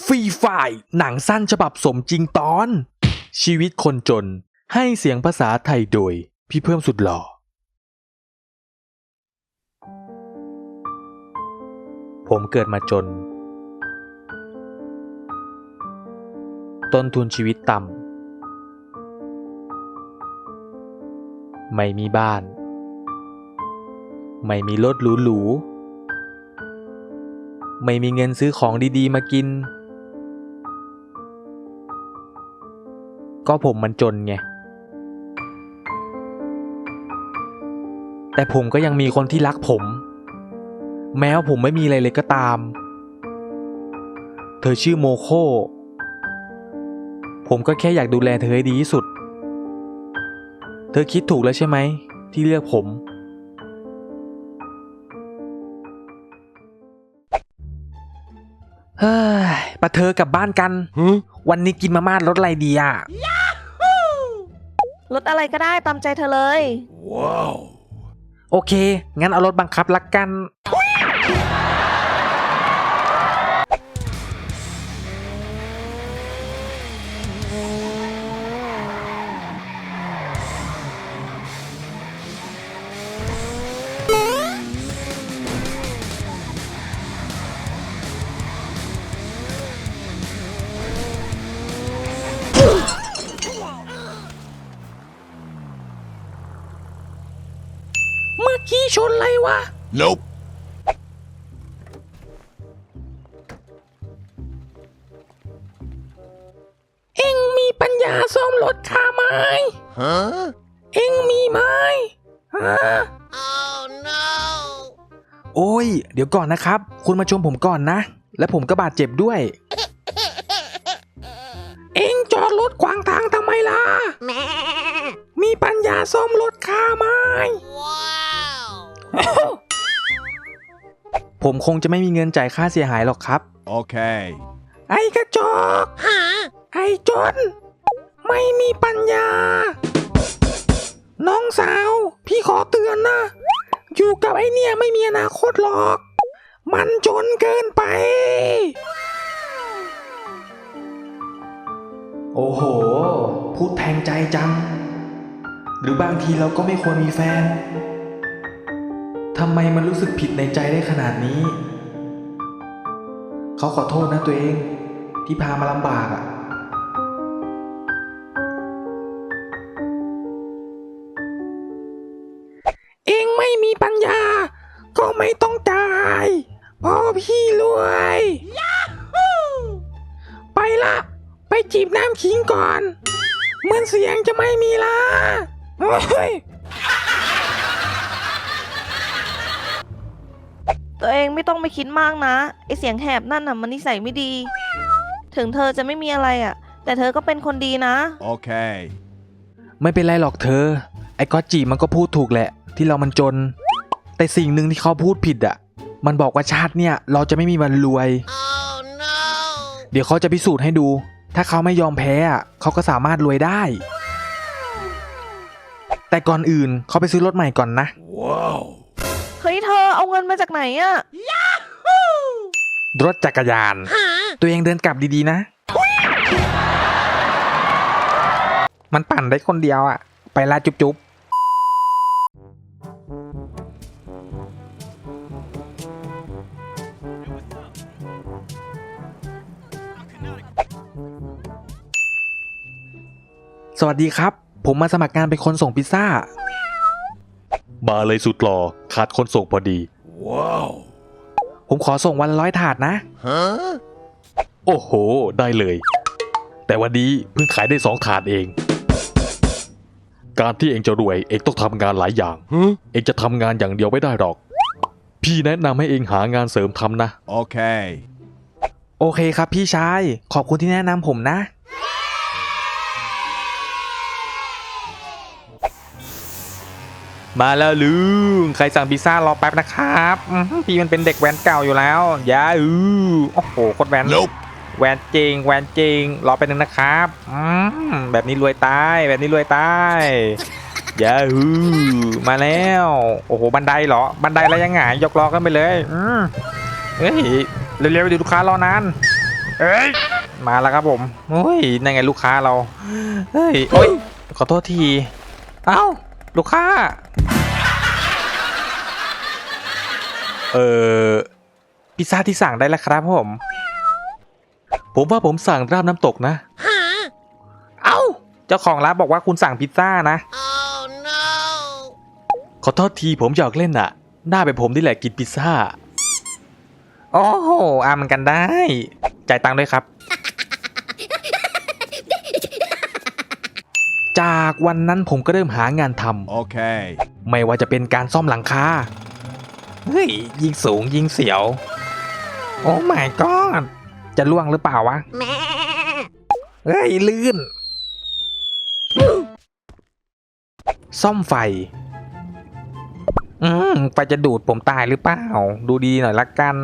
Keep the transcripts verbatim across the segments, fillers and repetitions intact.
ฟรีไฟล์หนังสั้นฉบับสมจริงตอนชีวิตคนจนให้เสียงภาษาไทยโดยพี่เพิ่มสุดหล่อผมเกิดมาจนต้นทุนชีวิตต่ำไม่มีบ้านไม่มีรถหรูๆไม่มีเงินซื้อของดีๆมากินก็ผมมันจนไงแต่ผมก็ยังมีคนที่รักผมแม้ว่าผมไม่มีอะไรเลยก็ตามเธอชื่อโมโคผมก็แค่อยากดูแลเธอให้ดีที่สุดเธอคิดถูกแล้วใช่ไหมที่เลือกผมเฮ้ยปะเธอกลับบ้านกันวันนี้กินมาม่ารสอะไรดีอ่ะรถอะไรก็ได้ตามใจเธอเลยว้าวโอเคงั้นเอารถบังคับละกันเมื่อกี้ชนอะไรวะ Nope เอ็งมีปัญญาซ่อมรถข้าไหมฮะเอ็งมีไหมฮะ Oh no โอ้ยเดี๋ยวก่อนนะครับคุณมาชมผมก่อนนะและผมก็บาดเจ็บด้วย เอ็งจอดรถขวางทางทำไมล่ะมีปัญญาซ่อมรถข้าไหม Wow ผมคงจะไม่มีเงินจ่ายค่าเสียหายหรอกครับ Okay ไอ้กระจอกไอ้จนไม่มีปัญญาน้องสาวพี่ขอเตือนนะอยู่กับไอ้เนี่ยไม่มีอนาคตหรอกมันจนเกินไปโอ้โหพูดแทงใจจังหรือบางทีเราก็ไม่ควรมีแฟนทำไมมันรู้สึกผิดในใจได้ขนาดนี้เขาขอโทษนะตัวเองที่พามาลำบากอ่ะเองไม่มีปัญญาก็ไม่ต้องจ่ายเพราะพี่รวยไปละไปจีบน้ำขิงก่อนเหมือนเสียงจะไม่มีละเฮ้ยตัวเองไม่ต้องไปคิดมากนะไอเสียงแหบนั่นน่ะมันนิสัยไม่ดีถึงเธอจะไม่มีอะไรอ่ะแต่เธอก็เป็นคนดีนะ Okay ไม่เป็นไรหรอกเธอไอ้ก๊อตจีมันก็พูดถูกแหละที่เรามันจนแต่สิ่งหนึ่งที่เขาพูดผิดอ่ะมันบอกว่าชาติเนี่ยเราจะไม่มีวันรวย Oh no เดี๋ยวเขาจะพิสูจน์ให้ดูถ้าเขาไม่ยอมแพ้อ่ะเขาก็สามารถรวยได้แต่ก่อนอื่นเขาไปซื้อรถใหม่ก่อนนะ Wow เฮ้ยเธอเอาเงินมาจากไหนอ่ะรถจักรยานตัวเองเดินกลับดีๆนะมันปั่นได้คนเดียวอ่ะไปลาจุ๊บๆสวัสดีครับผมมาสมัครงานเป็นคนส่งพิซซ่ามาเลยสุดหล่อขาดคนส่งพอดี Wow ผมขอส่งวันละร้อยถาดนะ Huh โอ้โหได้เลยแต่วันนี้เพิ่งขายได้สองถาดเองการที่เองจะรวยเองต้องทำงานหลายอย่าง Huh เองจะทำงานอย่างเดียวไม่ได้หรอกพี่แนะนำให้เองหางานเสริมทำนะ Okay โอเคครับพี่ชายขอบคุณที่แนะนำผมนะมาแล้วลุงใครสั่งพิซซ่ารอแป๊บนะครับพี่มันเป็นเด็กแว้นเก่าอยู่แล้วอย่าอือโอ้โหโคตรแว้น Nope แวนจริงแวนจริงรอไปหนึ่งนะครับอืมแบบนี้รวยตายแบบนี้รวยตายอย่าฮือมาแล้วโอ้โหบันไดเหรอบันไดแล้วยังไงยกล้อกันไปเลยอืมเฮ้ยเร็วๆดิลูกค้ารอนานเอ้ยมาแล้วครับผมโอ้ยนั่นไงลูกค้าเราเฮ้ยโอ้ยขอโทษทีเอ้าลูกค้าเออพิซซ่าที่สั่งได้แล้วครับผมผมว่าผมสั่งราดน้ำตกนะเอ้าเจ้าของร้านบอกว่าคุณสั่งพิซซ่านะ Oh no! ขอโทษทีผมหยอกเล่นอะหน้าเป็นผมนี่แหละกินพิซซ่าโอ้โหอามันกันได้จ่ายตังค์ด้วยครับ จากวันนั้นผมก็เริ่มหางานทำ Okay. ไม่ว่าจะเป็นการซ่อมหลังคาเฮ้ยยิงสูงยิงเสียวโอ้ my god จะล่วงหรือเปล่าวะเฮ้ยลื่นซ่อมไฟอืมไฟจะดูดผมตายหรือเปล่าดูดีหน่อยละกัน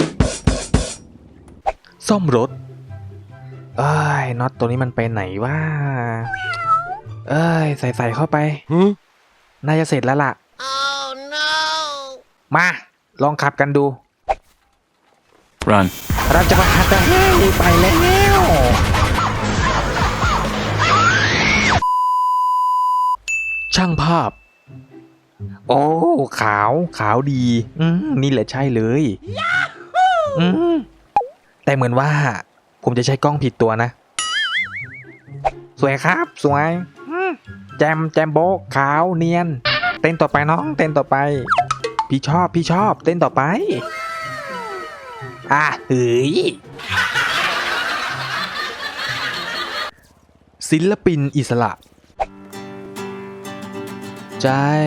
ซ่อมรถเอ้ยน็อตตัวนี้มันไปไหนวะเอ้ยใส่ใส่เข้าไป Huh? น่าจะเสร็จแล้วล่ะ Oh no! มาลองขับกันดู Run. เราจะมาขับกันให้ไปแล้วช่างภาพโอ้ขาวขาวดีอืมนี่แหละใช่เลยอืมแต่เหมือนว่าผมจะใช้กล้องผิดตัวนะสวยครับสวยอืมแจมแจมโบะขาวเนียนเต้นต่อไปน้องเต้นต่อไปพี่ชอบพี่ชอบเต้นต่อไปอ่ะเฮ้ยศิลปินอิสระใจ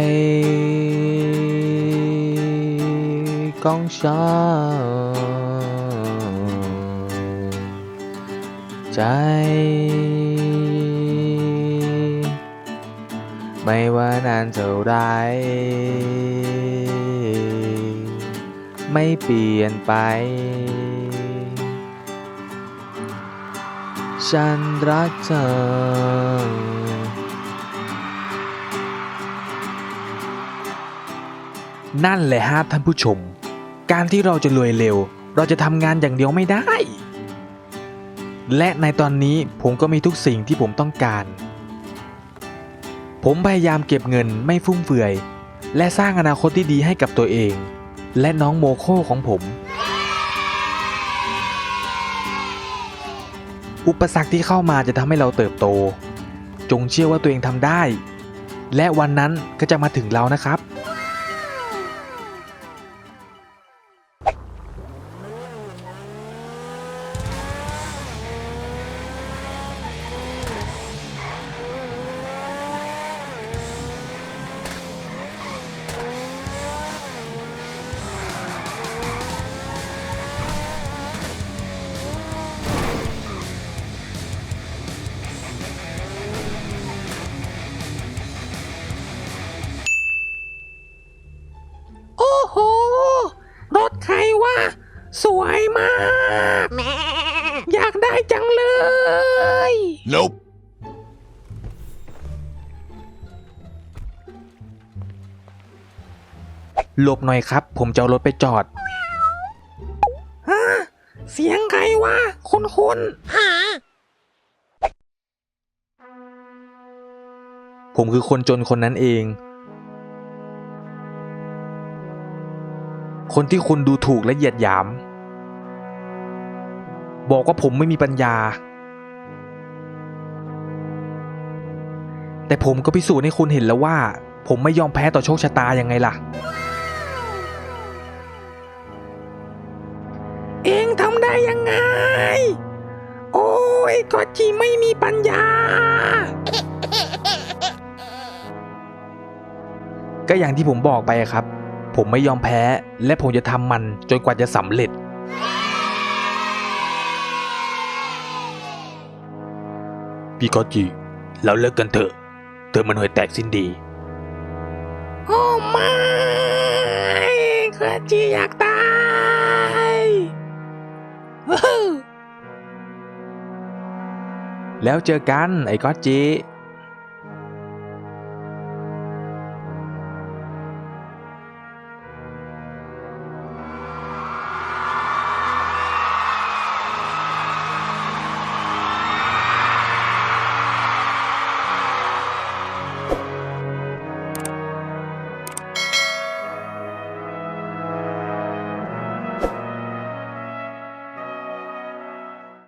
ของฉันใจไม่ว่านานเท่าไรไม่เปลี่ยนไปฉันรักเธอนั่นแหละฮะท่านผู้ชมการที่เราจะรวยเร็วเราจะทำงานอย่างเดียวไม่ได้และในตอนนี้ผมก็มีทุกสิ่งที่ผมต้องการผมพยายามเก็บเงินไม่ฟุ่มเฟือยและสร้างอนาคตที่ดีให้กับตัวเองและน้องโมโคของผมอุปสรรคที่เข้ามาจะทำให้เราเติบโตจงเชื่อว่าตัวเองทำได้และวันนั้นก็จะมาถึงเรานะครับโอ้โหรถใครวะสวยมากอยากได้จังเลย Nope. หลบหน่อยครับผมจะเอารถไปจอดฮะเสียงใครวะคนคนผมคือคนจนคนนั้นเองคนที่คุณดูถูกและเหยียดหยามบอกว่าผมไม่มีปัญญาแต่ผมก็พิสูจน์ให้คุณเห็นแล้วว่าผมไม่ยอมแพ้ต่อโชคชะตายังไงล่ะเองทำได้ยังไงโอ้ยก็จีไม่มีปัญญาก็อย่างที่ผมบอกไปครับผมไม่ยอมแพ้และผมจะทำมันจนกว่าจะสำเร็จพี่กอจิเราเลิกกันเถอะเธอมันห่วยแตกสิ้นดีโอ้ไม่กอจิอยากตายแล้วเจอกันไอ้กอจิ